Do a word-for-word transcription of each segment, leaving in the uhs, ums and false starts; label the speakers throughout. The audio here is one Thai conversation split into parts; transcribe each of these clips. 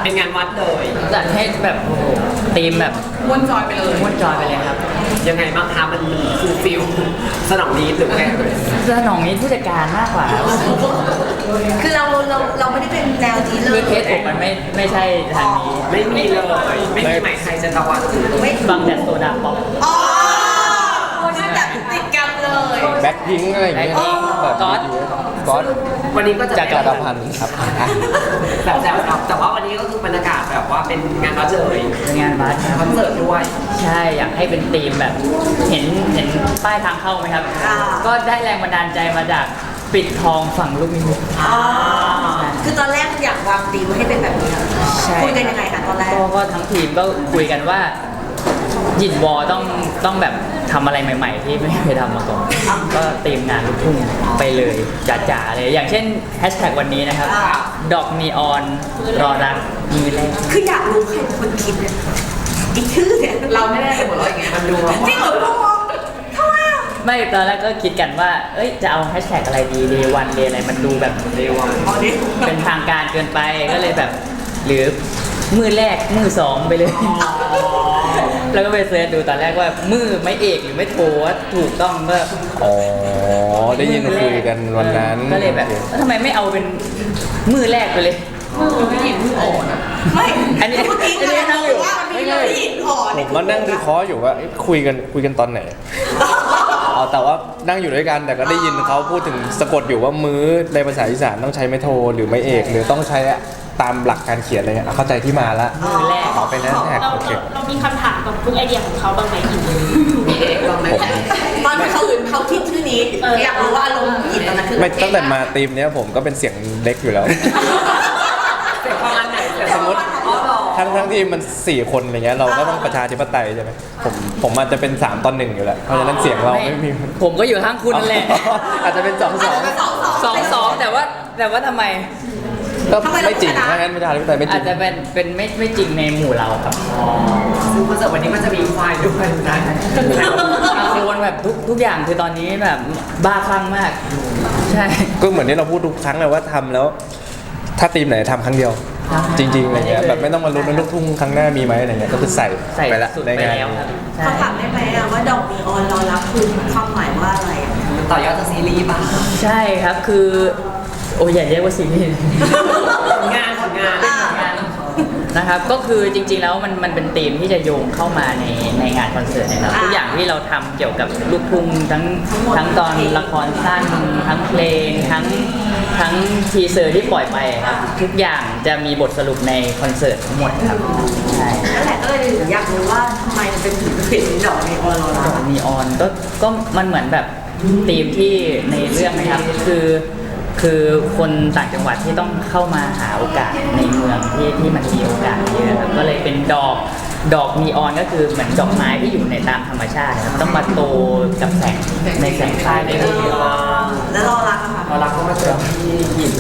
Speaker 1: เป็นงานวัดเลย
Speaker 2: จัดให้แบบโอ้โหธีมแบบ
Speaker 1: ม้วนจอยไปเลย
Speaker 2: ม้วนจอยไปเลยครับ
Speaker 1: ยังไงบ้างคะมันฟูลฟิลสนองนี้หรือไง
Speaker 2: สนองนี้ผู้จัดการมากกว่าครับ
Speaker 3: คือเราเราเราไม่ได้เป็นแนวนี้เล
Speaker 2: คือย เคสผมมันไม่ไม่ใช่ทางนี้
Speaker 1: ไม่มีเลยไม่มีหมายใครจะตะวัน
Speaker 3: ไม่
Speaker 2: ฟังแต่โซดาป๊อป
Speaker 3: อ๋อนั่นแบบติดกันเลย
Speaker 4: แบ็คพิงค์อะไรอย่างเงี้ย
Speaker 2: Blackpink
Speaker 4: แบบ
Speaker 2: ก๊อต
Speaker 4: ก๊อต
Speaker 1: วันนี้ก็จะ
Speaker 4: จากกระพันธ์ครับอ่ะ
Speaker 1: แบบแบบครับแต่ว่าวันนี้ก็คือบรรยากาศแบบว่าเป็นงานวัดเลย
Speaker 2: เป็นงานบัสค
Speaker 1: คอ
Speaker 2: รับ
Speaker 1: นเสิร์ตด้วย
Speaker 2: ใช่อยากให้เป็นธีมแบบเห็นเห็นป้ายทางเข้าไหมครับ ก็ได้แรงบันดาลใจมาจากปิดทองฝั่งลูกนิมิต
Speaker 3: อ๋อคือตอนแรกอยากวางธีมให้เป็นแบบนี้
Speaker 2: ใช่
Speaker 3: คุยกันยังไงคะตอนแรก
Speaker 2: ก็ก็ทั้งทีมก็คุยกันว่าหยินวอต้องต้องแบบทำอะไรใหม่ ๆ ที่ไม่เคยทำมาก่อน ก็เตรียมงานลูกทุ่งไปเลยจ๋าๆเลย อย่างเช่นแฮชแท็กวันนี้นะครับ ดอกนีออนรอรักมือแรก
Speaker 3: คืออยากรู้ใครเป็นคนคิดเนี่ยอีกชื่อเนี่ย
Speaker 1: เราไม่ได้หัวเราะอย่างเงี้ยมันดูแบบ
Speaker 3: จริงเหรอพ่อทำไมอ่ะ
Speaker 2: ไม่ตอนแรกก็คิดกันว่า เอ้ยจะเอาแฮชแท็กอะไรดีเดวันเดอะไรมันดูแบบ
Speaker 1: เร็วอะ
Speaker 3: อ๋อนี่
Speaker 2: เป็นทางการเกินไปก็เลยแบบ หรือมือแรกมือสองไปเลย แล้วก็ไปเสิร์ชดูตอนแรกว่ามือไม่เอกหรือไม่โทว่าถูกต้องก็
Speaker 4: อ๋อได้ยินคุยกันวันนั้น
Speaker 2: ก็เลยแบบแล้วทำไมไม่เอาเป็นมือแรกไปเลย
Speaker 1: ไม่เห็นมืออ่อนอะ
Speaker 3: ไม่
Speaker 2: อันนี้
Speaker 3: เมื่อกี้
Speaker 2: อันนี้นั่งอยู่
Speaker 3: ว่ามันมีเราที่หินอ่อน
Speaker 4: ผมมานั่งวิเคราะห์อยู่ว่าเอ๊ะคุยกันคุยกันตอนไหนอ๋อแต่ว่านั่งอยู่ด้วยกันแต่ก็ได้ยินเขาพูดถึงสะกดอยู่ว่ามื้อในภาษาอีสานต้องใช้ไม่โทหรือไม่เอกหรือต้องใช้ตามหลักการเขียนอะไรเงี้ยอ่ะเข้าใจที่มาละ
Speaker 2: มือแรก
Speaker 4: ขอเป็นแฮชแท็ก
Speaker 5: เรา
Speaker 4: โอเค
Speaker 5: เราเรามีคำถามกับทุกไอเดียของเขาบ้างไหมอีก
Speaker 1: มีเอกบ้างไหม
Speaker 3: ตอนที่เขาเขาคิดชื่อนี้อยากรู้ว่าอารมณ์หยินตอนนั้นคือ
Speaker 4: ไม่ตั้งแต่มาทีมเนี้ยผมก็เป็นเสียงเล็กอยู่แล้ว
Speaker 1: เสร็จประมาณไหนเสร็จ
Speaker 4: สมมติ
Speaker 1: อ๋อเหรอ
Speaker 4: ทั้งทั้งทีมมันสี่คนอะไรเงี้ยเราก็ต้องประชาธิปไตยใช่ไหมผมผมอาจจะเป็นสามตอนหนึ่งอยู่แล้วเพราะฉะนั้นเสียงเราไม่มี
Speaker 2: ผมก็อยู่ข้างคุณนั่นแหละ
Speaker 4: อาจจะเป็นสองสอง
Speaker 3: สองสอง
Speaker 2: สองสองแต่ว่าแต่ว่าทำไม
Speaker 4: ก็ไม่จริงถ้างั้นประชาธิปไตยไม่จ
Speaker 2: อา
Speaker 4: ริ
Speaker 2: จ
Speaker 4: ง
Speaker 2: จะเป็นเป็นไม่ไม่จริงในหมู่เราครับ
Speaker 1: ซึ่งคอนเสิร์ตวันนี้มันจะมีควายด้วยนะ
Speaker 2: โดนแบบทุกทุกอย่างคือตอนนี้แบบบ้าคลั่งมาก ใช่
Speaker 4: ก็เหมือนที่เราพูดทุกครั้งเลยว่าทำแล้ว ถ้าทีมไหนทำครั้งเดียว
Speaker 2: ใช่
Speaker 4: จริงๆอะไรเงี้ยแบบไม่ต้องมาลุ้นว่าลูกทุ่งครั้งหน้ามีไหมอะไรเงี้ยก็คือใส่
Speaker 2: ใส่
Speaker 4: ไปละ
Speaker 2: สุด
Speaker 4: ใน
Speaker 2: ไป
Speaker 4: งาน
Speaker 2: แล้วครับใช่
Speaker 3: เขาถามได้ไหมอะว่าดอกนีออนเรารับคือความหมายว่าอะไรอะ
Speaker 1: ต่อยอดจากซีรีส์ป่ะ
Speaker 2: ใช่ครับคือโอ้ยอย่าเรียกว่าซีรีส์
Speaker 1: ผลงานผลงาน
Speaker 2: นะครับก็คือจริงๆแล้วมันมันเป็นธีมที่จะโยงเข้ามาในในงานคอนเสิร์ตนะครับทุกอย่างที่เราทำเกี่ยวกับลูกทุ่งทั้งทั้งตอนละครสั้นทั้งเพลงทั้งทั้งทีเซอร์ที่ปล่อยไปครับทุกอย่างจะมีบทสรุปในคอนเสิร์ตทั้งหมดครับใช่
Speaker 3: นั่นแหละก็เลยอยากรู้ว่าทำไมมันเป็นถึงเป็นดอกนีออนเรา
Speaker 2: ด
Speaker 3: ล่ะ
Speaker 2: อกนีออนก็ก็มันเหมือนแบบธีมที่ในเรื่องนะครับคือคือคนต่างจังหวัดที่ต้องเข้ามาหาโอกาสในเมืองที่ที่มันมีโอกาสเยอะครับก็เลยเป็นดอกดอกนีออนก็คือเหมือนดอกไม้ที่อยู่ในตามธรรมชาติครับต้องมาโตกับแสงในแสงไฟในเรื่อง
Speaker 3: แล้วรอรักอะค่ะ
Speaker 1: เรารักก็มาเจอพี่หยิน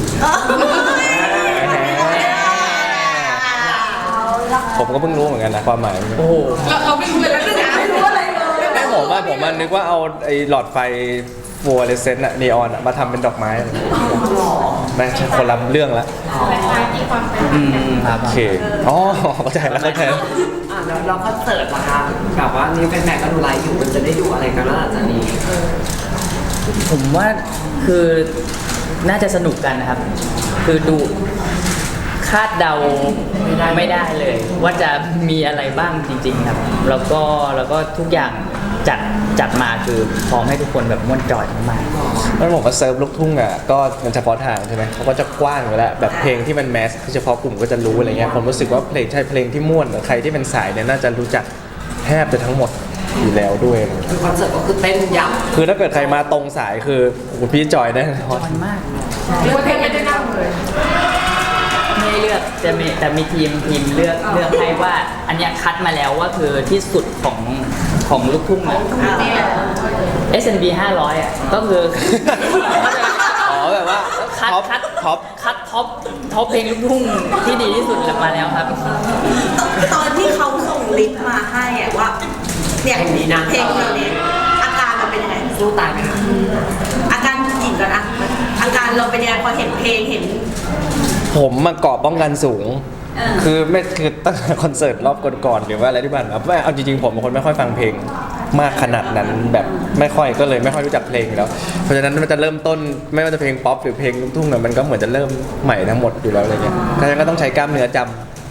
Speaker 4: ผมก็เพิ่งรู้เหมือนกันนะความหมาย
Speaker 2: โอ้โห
Speaker 1: เราเราไม่รู้เลยนะไม่รู้อะไรเลย
Speaker 4: แม่ผมว่าผมมันนึกว่าเอาไอ้หลอดไฟฟลูออเรสเซนต์อะนีออนอะมาทำเป็นดอกไม้ไม่ใช่คนละเรื่องละ
Speaker 5: แต่ท้ายที่ความเป็น
Speaker 2: อืมครับ
Speaker 4: โอเคอ๋อเข้าใจแล้วเข้าใจแล้ว
Speaker 1: อ่ะแล้วเราคอนเสิร์ตล่ะคะแบบว่านี่แฟนๆก็ดูไลฟ์อยู่มันจะได้ดูอะไรกันแล้วหลังจากนี้
Speaker 2: ผมว่าคือน่าจะสนุกกันนะครับ คือดูคาดเดาไม่ได้เลย ว่าจะมีอะไรบ้างจริง ๆ ครับ แล้วก็แล้วก็ทุกอย่างจัดจัดมาคือพร้อมให้ทุกคนแบบม่วนจอยมาก
Speaker 4: แล้วผมว่าเซิร์ฟลูกทุ่งอ่ะก็มันเฉพาะทางใช่ไหมเขาก็จะกว้างอยู่แล้วแบบเพลงที่มันแมสเฉพาะกลุ่มก็จะรู้อะไรเงี้ยผมรู้สึกว่าเพลงใช่เพลงที่ม่วนหรือใครที่เป็นสายเนี่ยน่าจะรู้จักแทบจะทั้งหมดอยู่แล้วด้วย
Speaker 1: คือคอนเสิร์ตก็คือเต้นยับ
Speaker 4: คือถ้าเกิดใครมาตรงสายคือโอ้โหพี่จอยแน่นอน
Speaker 2: มันมาก
Speaker 1: เรียกว่าเต้นไม่ได้นั่งเลย
Speaker 2: ไม่ได้เลือกจะมีแต่มีทีมทีมเลือกเลือกให้ว่า อันเนี้ยคัดมาแล้วว่าคือที่สุดของของลูกทุ่งอะ เอส เอ็น บี ห้าร้อยอ่ะก็คือ
Speaker 4: อ๋อแบบว่า
Speaker 2: คัด
Speaker 4: ท็อป
Speaker 2: คัด
Speaker 4: ท็อป
Speaker 2: คัดท็อปท็อปเพลงลูกทุ่งที่ดีที่สุดมาแล้วครับ
Speaker 3: ตอนที่เขาส่งลิสต์มาให้อะว่าเนี่ยเพลงนี้อาการเราเป็นยังไง
Speaker 1: สู้ตายไหมคะ
Speaker 3: อาการจิตก่อนอะอาการเราเป็นยังไงพอเห็นเพลงเห็น
Speaker 4: ผมมาเกาะป้องกันสูงคือไม่คือตั้งแต่คอนเสิร์ตรอบก่อนๆหรือว่าอะไรที่ผ่านมาไม่เอาจริงๆผมเป็นคนไม่ค่อยฟังเพลงมากขนาดนั้นแบบไม่ค่อยก็เลยไม่ค่อยรู้จักเพลงอยู่แล้วเพราะฉะนั้นมันจะเริ่มต้นไม่ว่าจะเพลงป๊อปหรือเพลงลูกทุ่งเนี่ยมันก็เหมือนจะเริ่มใหม่ทั้งหมดอยู่แล้วอะไรเงี้ยเพราะฉะนั้นก็ต้องใช้กล้ามเนื้อจำ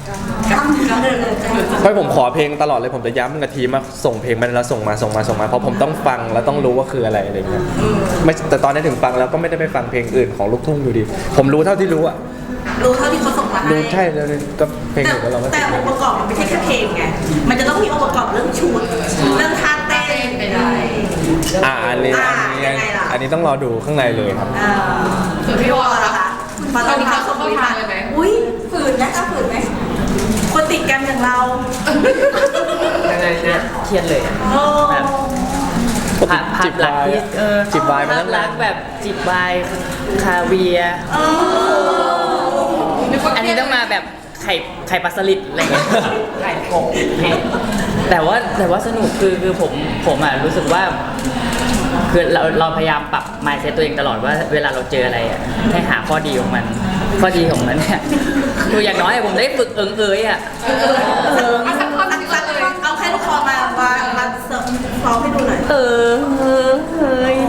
Speaker 4: เพราะผมขอเพลงตลอดเลยผมจะย้ำกับทีมมาส่งเพลงมันแล้วส่งมาส่งมาส่งมาเพราะผมต้องฟังแล้วต้องรู้ว่าคืออะไรอะไรเงี้ยไม่แต่ตอนนี้ถึงฟังแล้วก็ไม่ได้ไปฟังเพลงอื่นของลูกทุ่งอยู่ดีผมรู้เท่าที่รู้อะ
Speaker 3: รู้เท่าที่เขาส่งมาให้
Speaker 4: รู้ใช่แล้วก็เพลง
Speaker 3: แต่
Speaker 4: อื่นก็เราไม่
Speaker 3: แต่องค์ประกอบมันไม่ใช่แค่เพลงไง มันจะต้องมีองค์ประกอบเรื่องชุด เรื่องท่าเต้นไปได้
Speaker 4: อ่าอันนี้
Speaker 3: อ่า
Speaker 4: อันนี้
Speaker 3: ยังไงล่ะ
Speaker 4: อันนี้ต้องรอดูข้างในเลยครับ
Speaker 3: อ่าส่วนพี่วอลล่ะคะพอตอนนี้เขาส่งมาทานเลยไหมอุ้ยฝืนนะคะฝืนไหมคนติดกันอย่างเรา
Speaker 1: ยังไงเนี่ย
Speaker 2: เครียดเลยอะ
Speaker 3: โอ้
Speaker 2: แบบภาพภา
Speaker 4: จิ
Speaker 2: พ
Speaker 4: บ
Speaker 2: ลักษ
Speaker 4: วาย
Speaker 2: ณ์ที่เออ
Speaker 4: จิบวายมา
Speaker 2: ภา
Speaker 4: ตั้
Speaker 2: พ
Speaker 4: ง
Speaker 2: ลั
Speaker 4: นาก น
Speaker 2: ษณ์แบบจิบวายคาเวียร์
Speaker 3: เออ
Speaker 2: อันนี้ต้องมาแบบไข่ไข่ปลาสลิดอะไรเงี้ย
Speaker 1: ไข่กบ
Speaker 2: แต่ว่าแต่ว่าสนุกคือคือผมผมอ่ะรู้สึกว่าคือเราเราพยายามปรับ mindset ตัวเองตลอดว่าเวลาเราเจออะไรอ่ะให้หาข้อดีของมัน ข้อดีของมันเนี่ยคืออย่างน้อยผมได้ฝึกเอิงเอยอ่ะ
Speaker 3: เอาสักท่อนสักเลยเอาแค่ลูกคอมามามาเสิร์ฟร้องให้ดูหน่อย
Speaker 2: เออเออเฮ้ย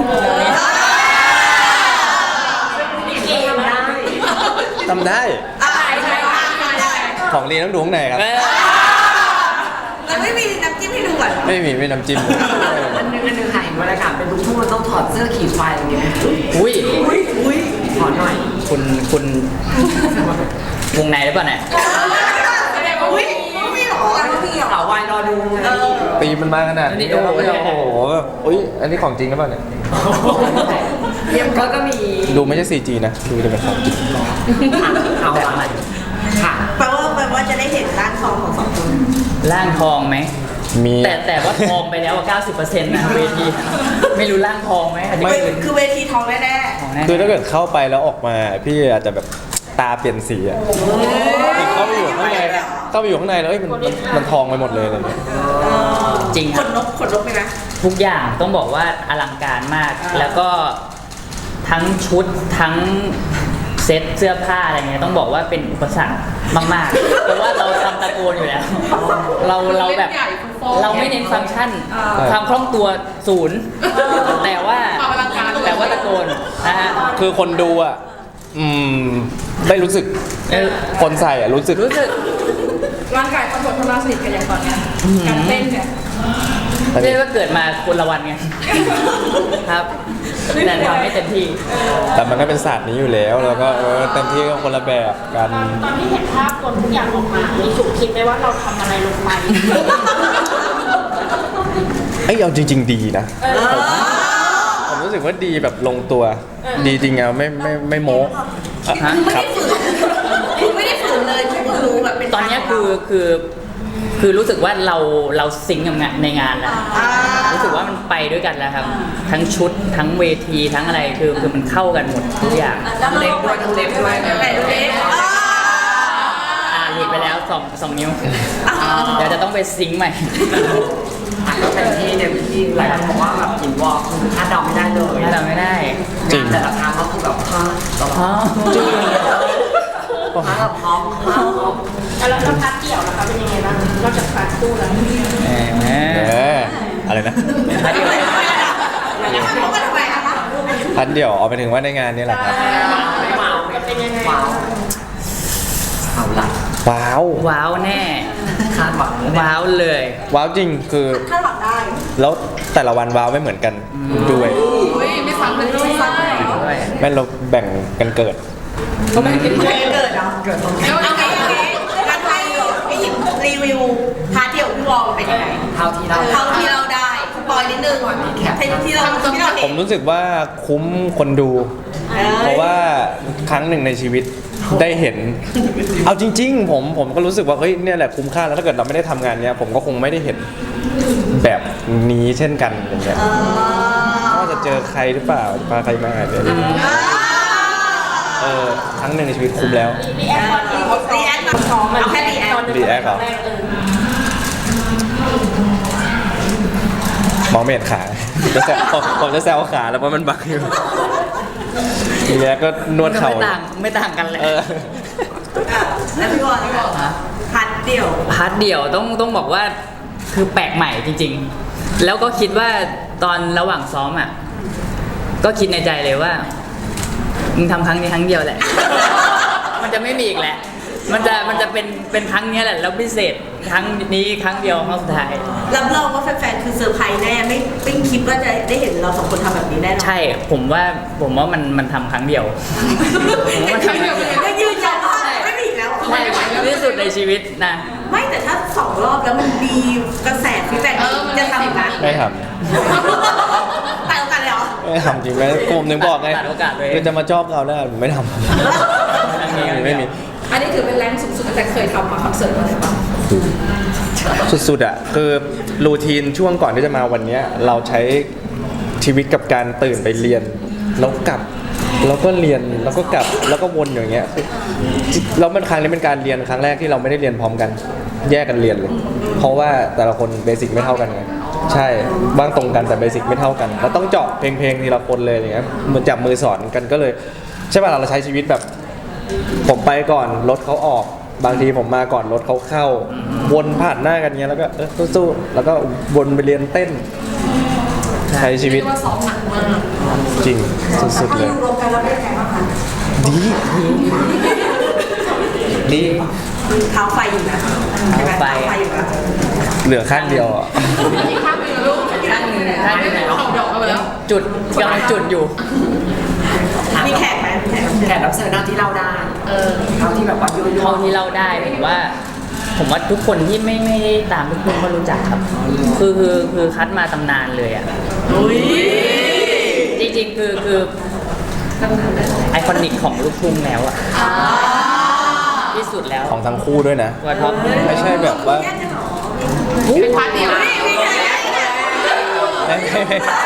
Speaker 4: ทำได้
Speaker 3: อ่าใช่ได้
Speaker 4: ของลีต้องดูข้างในครับ
Speaker 2: เออ
Speaker 3: แล้วไม่มีน้ำจิ้มให้ดูก่อน
Speaker 4: ไม่มีไม่น้ำจิ้ม
Speaker 1: อันนึงอันนึงค่ะเห็นบรรยากาศเป็นลูกทุ่งมันต้องถอดเสื้อขี่ควายอย่างเงี้ย
Speaker 2: อุ้ย
Speaker 3: อุ้ยอุ้ย
Speaker 1: ถอดหน่อย
Speaker 2: คุณคุณวงในหรือเปล่าเนี่ย
Speaker 3: อุ้ยไม่มีหรอไม่มีหรอ
Speaker 1: สาววายรอดู
Speaker 3: เออ
Speaker 4: ตีมันมาขนาดนี้โอ้โหอุ้ยอันนี้ของจริงหรือเปล่าเนี่ย
Speaker 1: เรียบก็ก็มี
Speaker 4: ดูไม่ใช่ ซี จี นะดูจะเป็นของจริง
Speaker 1: เอาอะไรค่ะ
Speaker 3: แปลว่าแปลว่าจะได้เห็นร่างทองของสองคน
Speaker 2: ร่างทองไหม
Speaker 4: มี
Speaker 2: แต่แต่ว่าทองไปแล้วอะเก้าสิบเปอร์เซ็นต์นะเวที ไม่รู้ร่างทองไหมอาจจะ
Speaker 3: ไม่
Speaker 2: เป็น
Speaker 3: คือเวทีทองแน่
Speaker 2: ทองแน่
Speaker 4: คือถ้าเกิดเข้าไปแล้วออกมาพี่อาจจะแบบตาเปลี่ยนสีอะคือเข้าไปอยู่ข้างในเข้าไปอยู่ข้างในแล้วเอ้ยมันมันมันทองไปหมดเลยอะไรเงี้ย
Speaker 2: จริง
Speaker 3: ๆ
Speaker 2: ค
Speaker 3: ข
Speaker 2: รับ
Speaker 3: นนกขนนกไหมนะ
Speaker 2: ทุกอย่างต้องบอกว่าอลังการมาก แล้วก็ทั้งชุดทั้งเซ็ตเสื้อผ้าอะไรเงี้ยต้องบอกว่าเป็นอุปสรรคมากๆ เพราะว่าเราทำตะโกนอยู่แล้ว เราเราแบบเราไม่เน้นฟังก์ชัน ความคล่องตัวศูนย์แต่ว่าแต่ว่าตะโกนนะฮะ
Speaker 4: คือคนดูอ่ะอืมไม่รู้สึก
Speaker 2: เออ
Speaker 4: คนใส่อ่ะรู้สึก
Speaker 2: รู้สึก
Speaker 5: ร่างกายตำรวจทำงานสนิทกันอย่างตอนเนี้ยการเต้นเนี่ย
Speaker 2: เรียกว่าเกิดมาคนละวันไงครับแต่ทำให้เต็มที่
Speaker 4: แต่มันก็เป็นศาสตร์นี้อยู่แล้วแล้วก็เออเต็มที่ก็คนละแบบกัน
Speaker 5: ตอนที่เห็นภาพคนทุกอย่างออกมา มีถูกคิดไหมว่าเราทำอะไรลงไป
Speaker 4: ไอ้ยเอาจริง ๆ ดีนะผมผมรู้สึกว่าดีแบบลงตัว ดีจริงอ่ะไม่ไม่ไม่โม้อ่ะ
Speaker 2: ฮะ
Speaker 4: ครับ
Speaker 3: คุณไม่ได้ฝืนเลยคุณรู้แบบเป็น
Speaker 2: ตอนเนี้ยคือคือคือรู้สึกว่าเราเราซิงก์กับงานในงานแล้ว
Speaker 3: อ่า
Speaker 2: รู้สึกว่ามันไปด้วยกันแล้วครับ ทั้งชุดทั้งเวทีทั้งอะไรคือคือมันเข้ากันหมดทุกอย่าง
Speaker 1: ทั้งเล็บด้วยทั้งเล็บด้วย
Speaker 3: ไหนดูดิอ่า
Speaker 2: อ่าหลุดไปแล้วสองสองนิ้วเดี๋ยวจะต้องไปซิงค์ใหม่
Speaker 1: ก็เป็นที่เต็มที่หลายคนบอกว่าแบบกินวอลคือคาดเดาไม่ได้เลย
Speaker 2: ถ้าเราไม่ได้
Speaker 4: จริง
Speaker 1: แต่ละครั้งก็คือแบบพลาดตลอ
Speaker 2: อ๋อ
Speaker 1: ดพลาดแบบพร้อมพลาดพร้อม
Speaker 5: แล้วแล้วพาร์ทเดี่ยวนะคะเป็นยังไงบ้างนอกจากพาร์ทคู่แล้ว
Speaker 2: แหม
Speaker 4: เอออะไรนะ
Speaker 2: พาร์ทเดียว
Speaker 3: เขาก็ทำไมอะคะ
Speaker 4: พันเดี่ยวเอาไปถึงว่าในงานนี่แหละครับ
Speaker 1: ไม่ว้าว
Speaker 5: เป็นยังไง
Speaker 1: ว้าวเอาละ
Speaker 4: ว้าว
Speaker 2: ว้าวแน่
Speaker 1: คาดหวัง
Speaker 2: ว้าวเลย
Speaker 4: ว้าวจริงคือ
Speaker 3: คาดหวังได้
Speaker 4: แล้วแต่ละวันว้าวไม่เหมือนกันด้วย
Speaker 5: อุ้ยไม่ซ้ำกันด้วย
Speaker 2: ด้วย
Speaker 4: แม่เราแบ่งกันเกิด
Speaker 5: ก็ไม่กิน
Speaker 3: ไม่เกิดเหรอ
Speaker 1: เกิดตรงนี้
Speaker 3: เอาไงเอาไงงั้นให้พี่หยิบรีวิวพาร์ทเดี่ยวพี่วอลเป็นยังไง
Speaker 1: เท่าที่เรา
Speaker 3: เท่าที่เราได้สปอยนิดนึงที่ที่เราที่เรา
Speaker 4: ผ
Speaker 3: เห็
Speaker 4: ม
Speaker 3: น
Speaker 4: รู้สึกว่าคุ้มคนดู เพราะว่าครั้งหนึ่งในชีวิตได้เห็น เอาจริง ๆ ผมผมก็รู้สึกว่าเฮ้ยเนี่ยแหละคุ้มค่าแล้วถ้าเกิดเราไม่ได้ทำงานเนี้ยผมก็คงไม่ได้เห็นแบบนี้เช่นกันอย่างเงี้ยว่าจะเจอใครหรือเปล่าพาใครมาเนี่ยเออครั้งหนึ่งในชีวิตคุ้มแล้ว
Speaker 5: รีแอคตอนที่เขา
Speaker 3: รีแอคมาซ้อมเอาแค่รีแอค
Speaker 4: รีแอคเหรอ มองไม่เห็นขาจะแซวผมผมจะแซวขาแล้วเพราะมันบังอยู่ทีแรกก็นวดเข่า
Speaker 2: ไม่ต่างไม่ต่างกันเลย
Speaker 4: เออ
Speaker 3: อ่ะแล้วพี่วอนพี่วอน
Speaker 2: ฮะ
Speaker 3: พัดเดี่ยว
Speaker 2: พาร์ทเดี่ยวต้องต้องบอกว่าคือแปลกใหม่จริง ๆ แล้วก็คิดว่าตอนระหว่างซ้อมอ่ะก็คิดในใจเลยว่ามึงทำครั้งนี้ครั้งเดียวแหละ มันจะไม่มีอีกแหละ มันจะมันจะเป็นเป็นครั้งเนี้ยแหละแล้วพิเศษครั้งนี้ครั้งเดียวครั้งสุดท้าย
Speaker 3: รับรองว่าแฟนๆคือเซอร์ไพรส์แน่ไม่ไม่คิดว่าจะได้เห็นเราสองคนทำแบบนี้แน่นอน
Speaker 2: ใช่ผมว่าผมว่ามันมันทำครั้งเดียว ผมว่ามันทำครั้งเดียว
Speaker 3: ก็ยืนยันว่าไม่มีอีกแล้ว
Speaker 2: ใช่ที่สุดในชีวิตนะ
Speaker 3: ไม่แต่ถ้าสองรอบแล้วมันดีกระแสฟีดแบ็กจะทำอีกไหม
Speaker 4: ไม่ท
Speaker 3: แต่โอกาสเลยเหรอ
Speaker 4: ำไม่ทำจริงไหมผมถึงบอกไง
Speaker 2: ตัดโอกาสเลย
Speaker 4: คือจะมาชอบเราได้ผมไม่ทำไม่มี
Speaker 5: อันนี้ถือเป็นแรงสูงสุดตั้งแต่เคยทำมาคอนเสิร์ตมาเลยปะ
Speaker 4: สุดๆอ่ะคือรูทีนช่วงก่อนที่จะมาวันเนี้ยเราใช้ชีวิตกับการตื่นไปเรียนแล้วกลับแล้วก็เรียนแล้วก็กลับแล้วก็วนอย่างเงี้ยแล้วมันครั้งนี้เป็นการเรียนครั้งแรกที่เราไม่ได้เรียนพร้อมกัน แยกกันเรียนเลย เพราะว่าแต่ละคนเบสิกไม่เท่ากันไงใช่บ้างตรงกันแต่เบสิกไม่เท่ากันแล้วต้องเจาะเพลงๆทีละคนเลยอย่างเงี้ยมือจับมือสอนกันก็เลยใช่ป่ะเราใช้ชีวิตแบบ ผมไปก่อนรถเขาออกบางทีผมมาก่อนรถเขาเข้าวนผ่านหน้ากันเงี้ยแล้วก็เออสู้ๆแล้วก็วนไปเรียนเต้น ใช้ชีวิต
Speaker 5: ว่าซ้อมหนักมาก
Speaker 4: จริงสุดๆเลย
Speaker 3: รวมกันแล้วเป็นไงบ้างคะ
Speaker 4: ดีดี
Speaker 3: เท้าไฟอยู่นะใช่ไหม
Speaker 2: เท้าไฟ
Speaker 3: เท้าไฟอยู่นะ
Speaker 4: เหลือข้างเดียวอ่ะ
Speaker 5: อีกข้างหนึงลูก
Speaker 2: ท่านท่านไหน
Speaker 5: ของดอกมาแล้ว
Speaker 2: จุดกำลังจุดอยู่
Speaker 3: มีแขกไหมมีแขก
Speaker 1: แขกรับเชิญหน้าที่เล่าได้ เออเท่าที่แบบว่ายั่ว
Speaker 2: เท่าที่เล่าได้ผมว่า ผมว่าทุกคนที่ไม่ไม่ได้ตามลูกทุ่งก็รู้จักครับ คือคือคือคัดมาตำนานเลยอ่ะจริงๆคือคือไอคอนิกของลูกทุ่งแล้วอ่ะที่สุดแล้ว
Speaker 4: ของทั้งคู่ด้วยนะ
Speaker 2: ว่าท็อป
Speaker 4: ไม่ใช่แบบว่า
Speaker 3: แยกกันเหรอ
Speaker 5: เป็นพาร์ทเดียว
Speaker 3: ไม่มีแขก
Speaker 4: ไม่ไม่ไม่
Speaker 5: แข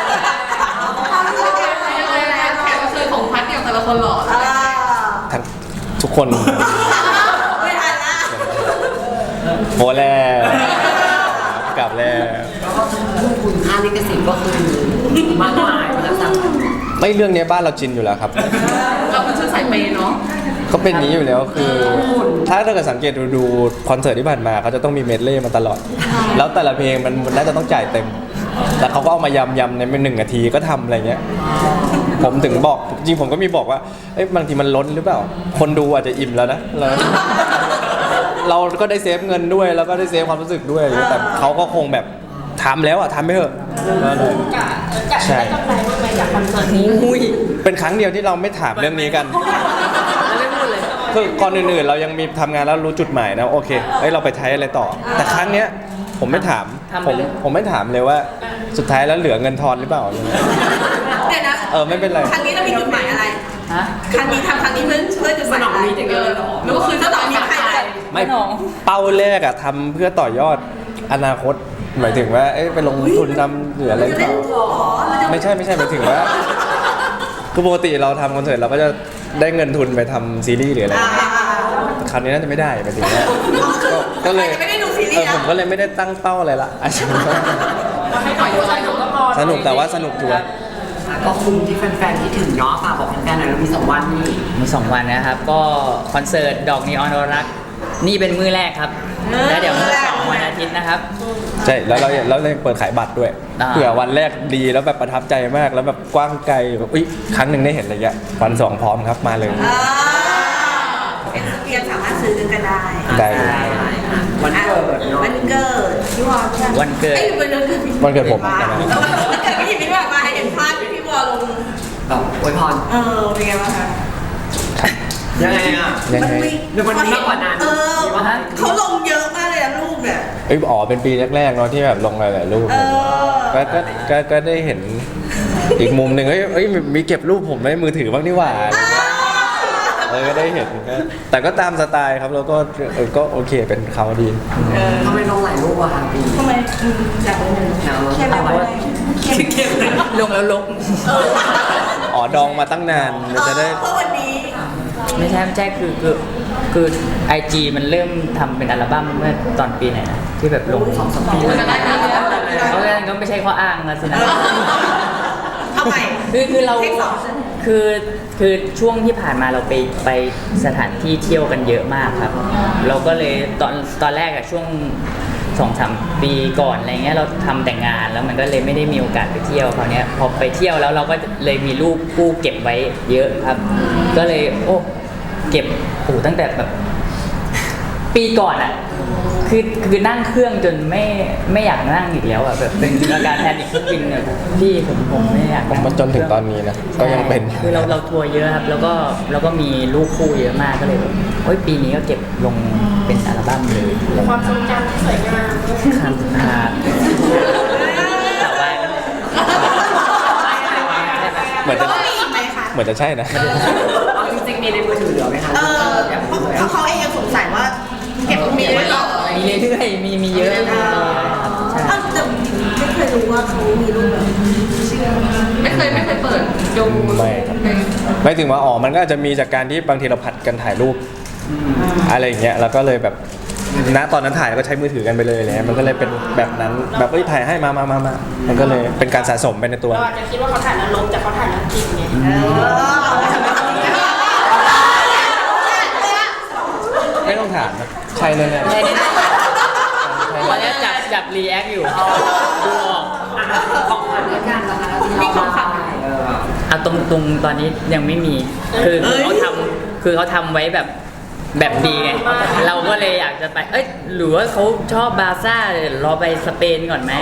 Speaker 5: กรับเชิญของพาร์ทเดียวแต่ละคนหล่อ
Speaker 3: อ่า
Speaker 4: ทั้งทุกคน
Speaker 3: ไม่ทันละ
Speaker 4: โหแล้วกลับแล้ว
Speaker 1: ๆแล้วก็คุณค่าลิขสิทธิ์ก็คือมากมายมาแล้วสั่ง
Speaker 4: ไม่เรื่องเนี้ยบ้านเราจินอยู่แล้วครับ
Speaker 5: เราเป็นชุดสายเปย์เนาะ
Speaker 4: ก็เป็นอย่างนี้อยู่แล้วคือ ถ้าถ้าเกิดสังเกตดูดูคอนเสิร์ตที่ผ่านมาเขาจะต้องมีเมดเล่มาตลอด แล้วแต่ละเพลงมันมันน่าจะต้องจ่ายเต็ม แต่เขาก็เอามายำยำในหนึ่งนาทีก็ทำอะไรเงี้ย ผมถึงบอกจริงผมก็มีบอกว่าเอ้ยบางทีมันล้นหรือเปล่า คนดูอาจจะอิ่มแล้วนะเราเราก็ได้เซฟเงินด้วยแล้วก็ได้เซฟความรู้สึกด้วย แต่เขาก็คงแบบทำแล้วอ่ะทำไม่เถอะนั่นแหละ
Speaker 5: กะกะ
Speaker 4: ใช่
Speaker 5: ได้กำไรบ้างไหมจากคอนเสิร์ตนี้
Speaker 2: อุ้ย
Speaker 4: เป็นครั้งเดียวที่เราไม่ถามเรื่องนี้กัน
Speaker 2: ไม่พูดเลย
Speaker 4: คือก่อนอื่นๆเรายังมีทำงานแล้วรู้จุดหมายนะโอเคเอ้ยเราไปใช้อะไรต่อ แต่ครั้งเนี้ยผมไม่ถาม
Speaker 2: ทำ
Speaker 4: ผ
Speaker 2: ไป
Speaker 4: ม
Speaker 2: เลย
Speaker 4: ผมไม่ถามเลยว่าสุดท้ายแล้วเหลือเงินทอนหรือเปล่าอะไรเงี้ย
Speaker 3: เดี๋ยวนะ
Speaker 4: เออไม่เป็นไร
Speaker 3: ครั้งนี้เรามีจุดหมายอะไร
Speaker 2: ฮะ
Speaker 3: ครั้งนี้ทำครั้งนี้เพื่อเพื่อจุดหมายอะไร
Speaker 5: เออหรือว่าคือ
Speaker 3: ถ้า
Speaker 5: ถ้า
Speaker 3: ต
Speaker 5: ต่
Speaker 3: อ
Speaker 5: อน
Speaker 3: นี้
Speaker 5: นี้
Speaker 3: ใคร
Speaker 5: ใคร
Speaker 3: จะ
Speaker 4: ไม่
Speaker 2: ไม่น้อง
Speaker 4: เป้าแรกอะทำเพื่อต่อยอดอนาคต หมายถึงว่าเอ้ยไปลงทุนทำหรืออะไรหรือเป
Speaker 3: เล่น
Speaker 4: ล่า
Speaker 3: ตัวเหรอเราจะ
Speaker 4: ไม่ใช่ไม่ใช่หมายถึงว่าคือปกติเราทำคอนเสิร์ตเราก็จะได้เงินทุนไปทำซีรีส์หรืออะไร
Speaker 3: อ่าอ่าอ่า
Speaker 4: คราวนี้น่าจะไม่ได้หมายถึงว่าก็ก็เลย
Speaker 3: ใครจะไม่ได้ดูซีรีส์
Speaker 4: เออ
Speaker 3: อะ
Speaker 4: ผมก็เลยไม่ได้ตั้งเป้าอะไรละอาจจะ
Speaker 5: ให้ปล่อยตัวสนุกก็พอ
Speaker 4: สนุกแต่ว่าสนุกชัวร์
Speaker 1: ก็คุ้มที่แฟนๆที่ถึงเนาะฝากบอกแฟนๆหน่อยเรามีสองวันนี่
Speaker 2: มีสองวันนะครับ ก็คอนเสิร์ตดอกนีออนรัก นี่เป็นมือแรกครับ แล้วเดี๋ยวมือสองวันอาทิตย์นะครับ
Speaker 4: ใช่แล้วเราแล้วเรายังเปิดขายบัตรด้วย
Speaker 2: อ่า
Speaker 4: เผื่อวันแรกดีแล้วแบบประทับใจมากแล้วแบบกว้างไกลแบบอุ้ยครั้งหนึ่งได้เห็นอะไรเงี้ยวันสองพร้อมครับมาเลย
Speaker 3: อ่าเอ็นเพียงสามารถซื้อกันได้
Speaker 4: ได้เลย
Speaker 1: วันเกิดเนาะ
Speaker 3: วันเกิดพี่วอลใช่ไหม
Speaker 2: วันเกิด
Speaker 3: อ้ยวันเกิดพี่
Speaker 4: วันเกิดผม
Speaker 3: วันเกิดพี่หญิงพี่แบบมาเห็นภาพที่พี่วอลลง
Speaker 1: แบบอวยพร
Speaker 3: เออเป็นไงบ้างคะ
Speaker 1: ยังไงอ่ะ
Speaker 4: ยังไง
Speaker 1: หรือมันมากกว่านั้น
Speaker 3: เออ
Speaker 1: มีวะ
Speaker 3: เขาลงเยอะมากเลยนะรูปเนี่ย
Speaker 4: เอ้ยอ๋อเป็นปีแรกๆเนาะที่แบบลงหลายๆรูป
Speaker 3: เออ
Speaker 4: ก็ก็ก็ก็ได้เห็นอีกมุมหนึ่งเอ้ยเอ้ยมีเก็บรูปผมไว้ในมือถือบ้างนี่หว่าอะไรเงี้ยเออก็ได้เห็นก็แต่ก็ตามสไตล์ครับแล้วก็เออก็โอเคเป็นเขาดี
Speaker 1: ทำไมลงหลายรูปอะคะปี
Speaker 3: ทำไมอืมอยากลงเลยเข้มไหมวะ
Speaker 1: เข้มเลย
Speaker 2: ลงแล้วลบ
Speaker 4: อ๋อดองมาตั้งนานมันจะได้
Speaker 3: เพราะวันนี้
Speaker 2: ไม่ใช่ไม่ใช่คือคือคือไอจีมันเริ่มทำเป็นอัลบั้มเมื่อตอนปีไหนนะที่แบบลงสองสามปีแล้วเพราะฉะนั้นก็ไม่ใช่ข้ออ้างนะสินะ
Speaker 3: ทำไม
Speaker 2: คือคือเรา
Speaker 3: เทคสอง
Speaker 2: คือคือช่วงที่ผ่านมาเราไปไปสถานที่เที่ยวกันเยอะมากครับ เราก็เลยตอนตอนแรกอะช่วงสองสามปีก่อนอะไรเงี้ยเราทำแต่งงานแล้วมันก็เลยไม่ได้มีโอกาสไปเที่ยวคราวเนี้ยพอไปเที่ยวแล้วเราก็เลยมีรูปคู่เก็บไว้เยอะครับ ก็เลยโอ้เก็บโอ้ตั้งแต่แบบ ปีก่อนอ่ะคือคือนั่งเครื่องจนไม่ไม่อยากนั่งอีกแล้วอ่ะแบบเป็นอาการแพนิคเครื่องบินเนี่ยพี่ผมผมไม่อยาก
Speaker 4: ผมมาจนถึงตอนนี้นะก็ยังเป็น
Speaker 2: ใช่คือเราเราทัวร์เยอะครับ แล้วก็แล้วก็มีลูกคู่เยอะมากก็เลยแบบเฮ้ยปีนี้ก็เก็บลงเป็นอัลบั้มเลย
Speaker 5: ความทรงจำที่สวยงาม
Speaker 2: ครับครับแต่ว่า
Speaker 4: เหมือนจะ
Speaker 3: แล้วมีอีกไหมคะ
Speaker 4: เหมือนจะใช่นะ
Speaker 1: เอาจริงๆมีในมือถือเหลือไหมคะ
Speaker 3: เออเพราะเขาเองยังสงสัยว่าเก็บตรงนี้ไว้ต่อ
Speaker 2: มีเรื่อยๆมีมีเยอะมากครับใช่
Speaker 3: อ้าวแต่ไม่เคยรู้ว่าเขามีรูปแบบเชื่อไม่เคยไม่เคยเปิดดู
Speaker 4: ไม่ครับไม่ถึงว่าอ๋อมันก็อาจจะมีจากการที่บางทีเราผัดกันถ่ายรูปอะไรอย่างเงี้ยแล้วก็เลยแบบณตอนนั้นถ่ายแล้วก็ใช้มือถือกันไปเลยอะไรเลยมันก็เลยเป็นแบบนั้นแบบเอ้ยถ่ายให้มามามามามันก็เลยเป็นการสะสมไปในตัว
Speaker 5: เราอาจจะคิดว่าเขาถ่ายแล้วลบแต่เขาถ่ายแล้วจริงไง
Speaker 4: ไม่ต้องถามนะใช่เลยเนี่ย
Speaker 2: ใช่เนี่ยวันนี้จับจับรีแอคอยู่ดูออก
Speaker 1: ของขวัญด้วยกันนะคะมีของขวัญเออ
Speaker 2: เอาตรงตรงตอนนี้ยังไม่มี คือคือเขาทำคือเขาทำไว้แบบแบบดีไง เราก็เลยอยากจะไป เอ้ยหรือว่าเขาชอบบาร์ซ่าเดี๋ยวรอไปสเปนก่อนไหม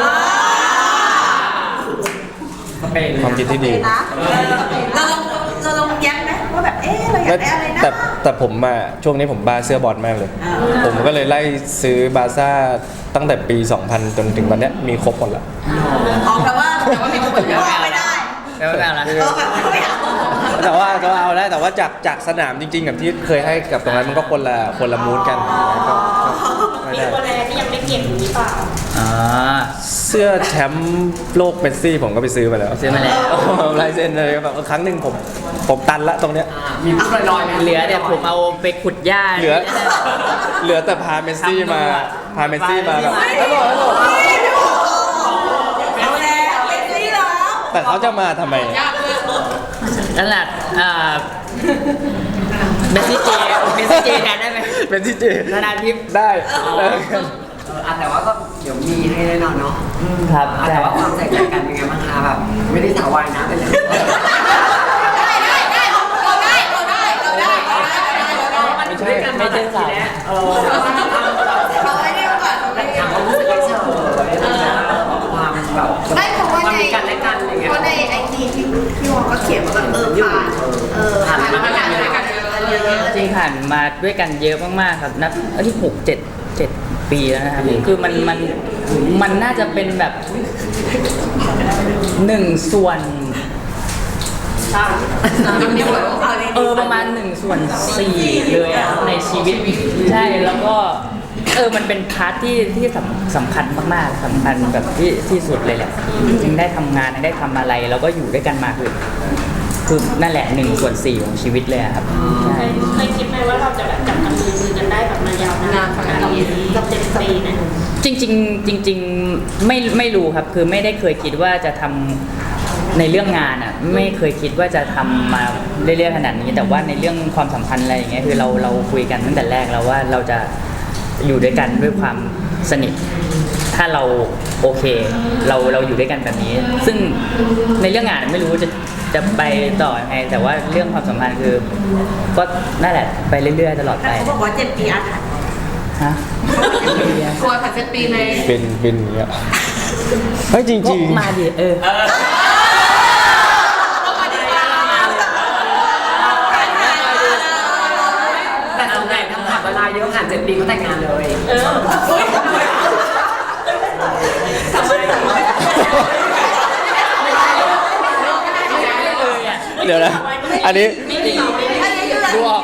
Speaker 1: สเปน
Speaker 4: ความคิดที่ดี
Speaker 3: นะเราลองเราลองแย้มไหมว่าแบบเอ๊ะเราอยากได้อะไรนะ
Speaker 4: แต่แต่ผมมาช่วงนี้ผมบ้าเสื้อบอลมากเลย ผมก็เลยไล่ซื้อบาร์ซ่าตั้งแต่ปี สองพัน จนถึงวันเนี้ยมีครบหมดละ
Speaker 3: อ๋อแปลว่าแต่ว่ามีคนว่าไม่ได้
Speaker 2: แล้วแบบละ
Speaker 3: เออแบบไม่เอา
Speaker 4: แต่ว่าก็เอาได้แต่ว่าจากจากสนามจริงๆกับที่เคยให้กับตรงนั้นมันก็คนละคนละมูดกันก็ก็ไม่
Speaker 5: มี
Speaker 4: ได้
Speaker 5: ตัวอะไรที่ยังไม่เก็บหรือเปล่า
Speaker 2: อ๋อ
Speaker 4: เสื้อแชมป์โลกเมสซี่ผมก็ไปซื้อมาแล้ว
Speaker 2: ซื้อมาแล้ว
Speaker 4: ลายเซ็นเลยแบบครั้งหนึ่งผมผมตันละตรงเนี้ย
Speaker 1: มีพูดลอยๆไหม
Speaker 2: เหลือเดี๋ยวผมเอาไปขุดหญ้า
Speaker 4: เหลือเหลือแต่พาเมสซี่มาพาเมสซี่มาแบบฮัลโหลฮัลโหล
Speaker 3: เอาแล้วเป็นซี่แล้ว
Speaker 4: แต่เขาจะมาทำไม
Speaker 2: นั่นแหละเอ่อเมสซี่เจเมสซี่เจแทนได้ไหม
Speaker 4: เป็นที่เจ
Speaker 2: ธนาทิพย์
Speaker 4: ได้
Speaker 1: เอออ่ะแต่ว่าก็เดี๋ยวมีให้แน่นอนเนาะ
Speaker 2: ครับ
Speaker 1: อ่ะแต่ว่าความใส่ใจกันเป็นไงบ้างคะแบบไม่ได้สาววายนะเป็นเลย
Speaker 3: ได้ได้ได้เราได้เราได้เราได้เราได้เราได้
Speaker 2: ไม่ใช่ไม่ใช่สาว
Speaker 1: เออ
Speaker 3: เราได้เรียกก่อนเราได้
Speaker 1: ถามความรู้สึกเฉยๆความแบบ
Speaker 3: ได้เพราะว่า
Speaker 1: ความ
Speaker 3: ใน
Speaker 1: มีกันและกันอะไรเงี้ย
Speaker 3: เพราะในไอจีที่พี่วอก็เขียนว่าแบบเออผ่านเออผ่านมาด้วยกันด้วยกันเยอะ
Speaker 2: จริงผ่านมาด้วยกันเยอะมากๆครับนับอันที่หกเจ็ดเจ็ดปีแล้วนะครับคือมันมันมันน่าจะเป็นแบบหนึ่งส่วน เออประมาณหนึ่งส่วนสี่เลยอะในชีวิตใช่แล้วก็เออมันเป็นพาร์ทที่ที่สำสำคัญมากๆสำคัญแบบที่ที่สุดเลยแหละยังได้ทำงานยังได้ทำอะไรแล้วก็อยู่ด้วยกันมาคือคือนั่นแหละหนึ่งส่วนสี่ของชีวิตเลยอะครับ
Speaker 5: เค
Speaker 2: ใช่
Speaker 5: ยเคยคิดไหมว่าเราจะแบบจับกันมือมือกันได้แบบมายาวนานขนาดนี้กับเจ็ดปีเนี่ย
Speaker 2: จริงๆจริงๆไม่ไม่รู้ครับคือไม่ได้เคยคิดว่าจะทำในเรื่องงานอ่ะไม่เคยคิดว่าจะทำมาเรื่อยๆขนาดนี้ แต่ว่าในเรื่องความสัมพันธ์อะไรอย่างเงี้ยคือเราเราคุยกันตั้งแต่แรกแล้วว่าเราจะอยู่ด้วยกันด้วยความสนิท ถ้าเราโอเคเราเราอยู่ด้วยกันแบบนี้ ซึ่งในเรื่องงานไม่รู้จะจะไปต่อยังไงแต่ว่าเรื่องความสัมพันธ์คือ ก็นั่นแหละไปเรื่อยๆตลอด
Speaker 3: แต่
Speaker 2: ไป
Speaker 3: เขาบอกว่าเจ็ดปีอาถรรพ์
Speaker 2: ฮะ
Speaker 3: กลัวผ่านเจ็ดปีเลย
Speaker 4: เป็นเป็นอย่างเงี้ยเฮ้ยจริง
Speaker 2: ก็
Speaker 4: ๆ
Speaker 2: มาดิเออ
Speaker 1: แต่ส่วนใหญ่ทำขับเวลาเยอะผ่านเจ็ดปีก็แต่งงานเลย
Speaker 5: เออ
Speaker 1: ทำไม
Speaker 4: เดี๋ยวนะ อันนี้
Speaker 2: ดูออก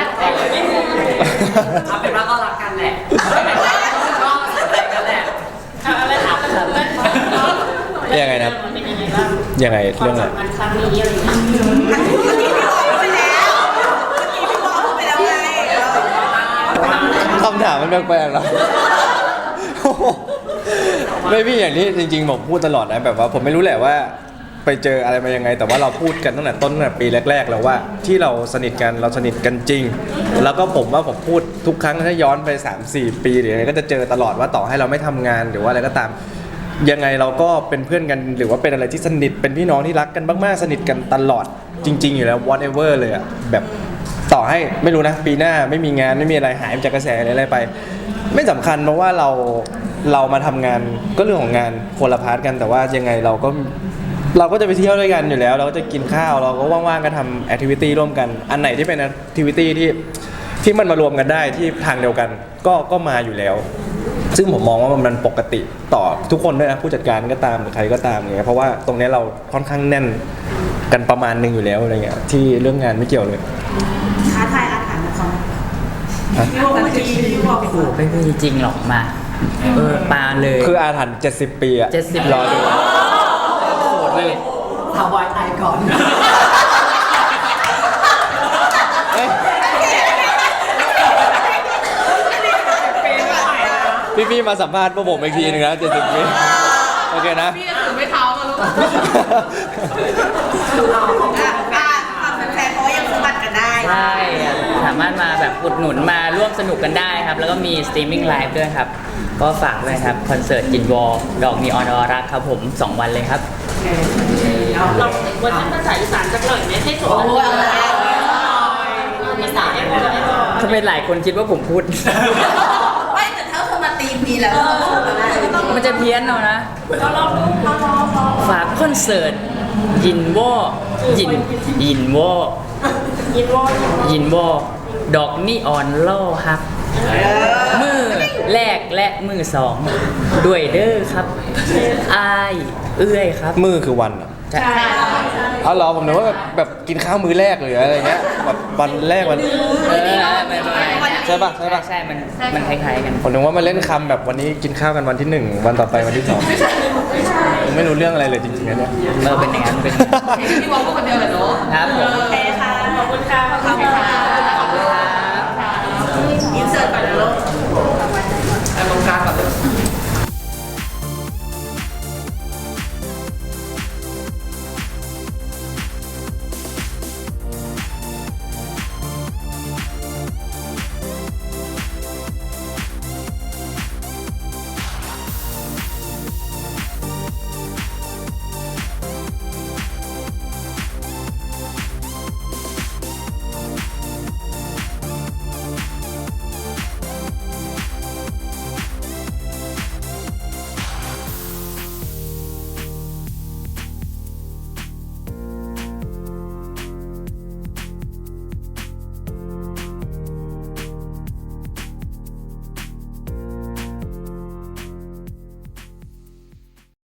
Speaker 1: เอาเป็นว่าก็รักกันแหละก็สนใจกันแหละ
Speaker 5: อะไรถามกันเลย
Speaker 4: ยังไงนะครับ
Speaker 5: มันเป็นยังไงบ้าง
Speaker 4: ยังไง
Speaker 5: ควา
Speaker 4: เรื่อ
Speaker 5: ม
Speaker 4: งอะไร
Speaker 5: สัมพันธ์ครั้งนี้อะไรอย่างเงี้ย
Speaker 3: เมื่อกี้พี่บอกไปแล้วเมื่อกี้พี่บอกไปแล้วไง
Speaker 4: คำถามมันแปลกๆแล้วไม่พี่อย่างนี้จริงๆผมพูดตลอดนะแบบว่าผมไม่รู้แหละว่าไปเจออะไรมายังไง แต่ว่าเราพูดกันตั้งแต่ต้นตั้งแต่ปีแรกๆแล้วว่าที่เราสนิทกันเราสนิทกันจริง แล้วก็ผมว่าผมพูดทุกครั้งถ้าย้อนไป สามสี่ ปีหรืออะไรก็จะเจอตลอดว่าต่อให้เราไม่ทำงานหรือว่าอะไรก็ตามยังไงเราก็เป็นเพื่อนกันหรือว่าเป็นอะไรที่สนิทเป็นพี่น้องที่รักกันมากๆสนิทกันตลอดจริง ๆ อยู่แล้ว whatever เลยอะแบบต่อให้ไม่รู้นะปีหน้าไม่มีงานไม่มีอะไรหายจากกระแสอะไรไปไม่สำคัญเพราะว่าเราเรามาทำงานก็เรื่องของงานคนละพาร์ทกันแต่ว่ายังไงเราก็เราก็จะไปเที่ยวด้วยกันอยู่แล้วเราก็จะกินข้าวเราก็ว่างๆก็ทำแอคทิวิตี้ร่วมกันอันไหนที่เป็นแอคทิวิตี้ที่ที่มันมารวมกันได้ที่ทางเดียวกันก็ก็มาอยู่แล้วซึ่งผมมองว่ามันปกติต่อทุกคนด้วยนะผู้จัดการก็ตามหรือใครก็ตามอย่างเงี้ยเพราะว่าตรงนี้เราค่อนข้างแน่นกันประมาณหนึงอยู่แล้วอะไรเงี้ยที่เรื่องงานไม่เกี่ยวเลย
Speaker 3: ท้าทายอาถรรพ์ของเขาพี่บอกเมื่อกี้พี่บอก
Speaker 2: โอ้โหไม่มีจริงหรอกมาเออปาเลย
Speaker 4: คืออาถรรพ์เจ็ดสิบปีอะ
Speaker 2: เจ็ดสิบ
Speaker 4: รอดู
Speaker 2: เลย
Speaker 1: ถาวายตายก่อน
Speaker 4: เอ้ยพี่พี่ๆมาสัมภาษณ์พวกผมอีกทีนึงนะเจ็ดสิบปีโอเคนะ
Speaker 5: พี่จะถือไม่เท้ามาลูก
Speaker 3: อ่ะอ่ะความแฟนๆเพราะว่ายังสมัครกันได้
Speaker 2: ใช่ครับสามารถมาแบบอุดหนุนมาร่วมสนุกกันได้ครับ แล้วก็มีสตรีมมิ่งไลฟ์ด้วยครับ ก็ฝากด้วยครับคอนเสิร์ตจินวอลดอกนีออนออรักครับผมสองวันเลยครับ
Speaker 5: เราเวอร์ชันภาษาอีสานสักหน่อยไหมให้สม
Speaker 3: โอ้
Speaker 5: กับ
Speaker 3: โหเอาแล้ว
Speaker 5: อีสานให้ผมได้ก่อน
Speaker 2: ทำไมหลายคนคิดว่าผมพูด
Speaker 3: ไม่แต่ถ้าเธอมาตีมนี้แล้วเธอต้องพูดกันได้
Speaker 2: มันจะเพี้ยนเอานะ
Speaker 5: เราลองดูเราลองลอง
Speaker 2: ฝากคอนเสิร์ตยินวอยินยินวอ
Speaker 5: ยินวอล
Speaker 2: ยินวอดอกนีออนล่อฮัก มือแรกและมือสองด้วยเด้อครับอายเอื้อยครับ
Speaker 4: มือคือวันอะ
Speaker 2: ใช่
Speaker 4: เอาเหรอผมนึกว่าแบบแบบกินข้าวมื้อแรกหรืออะไรเงี้ยแบบวันแรกวัน
Speaker 2: เออไม่ไม่ไม่
Speaker 4: ใช่ปะใช่ปะ
Speaker 2: ใช่มันมันคล้ายๆกัน
Speaker 4: ผมนึกว่ามาเล่นคำแบบวันนี้กินข้าวกันวันที่หนึ่งวันต่อไปวันที่สองผมไม่รู้เรื่องอะไรเลยจริงๆนะเนี่ย
Speaker 2: เออเป็นอย่างนั้นเป็น
Speaker 3: พี่บอกพูดคนเดียวเหรอเนาะ
Speaker 2: ครับผม
Speaker 3: โอเคค่ะ
Speaker 5: ขอบคุณค่ะขอบคุณค่ะ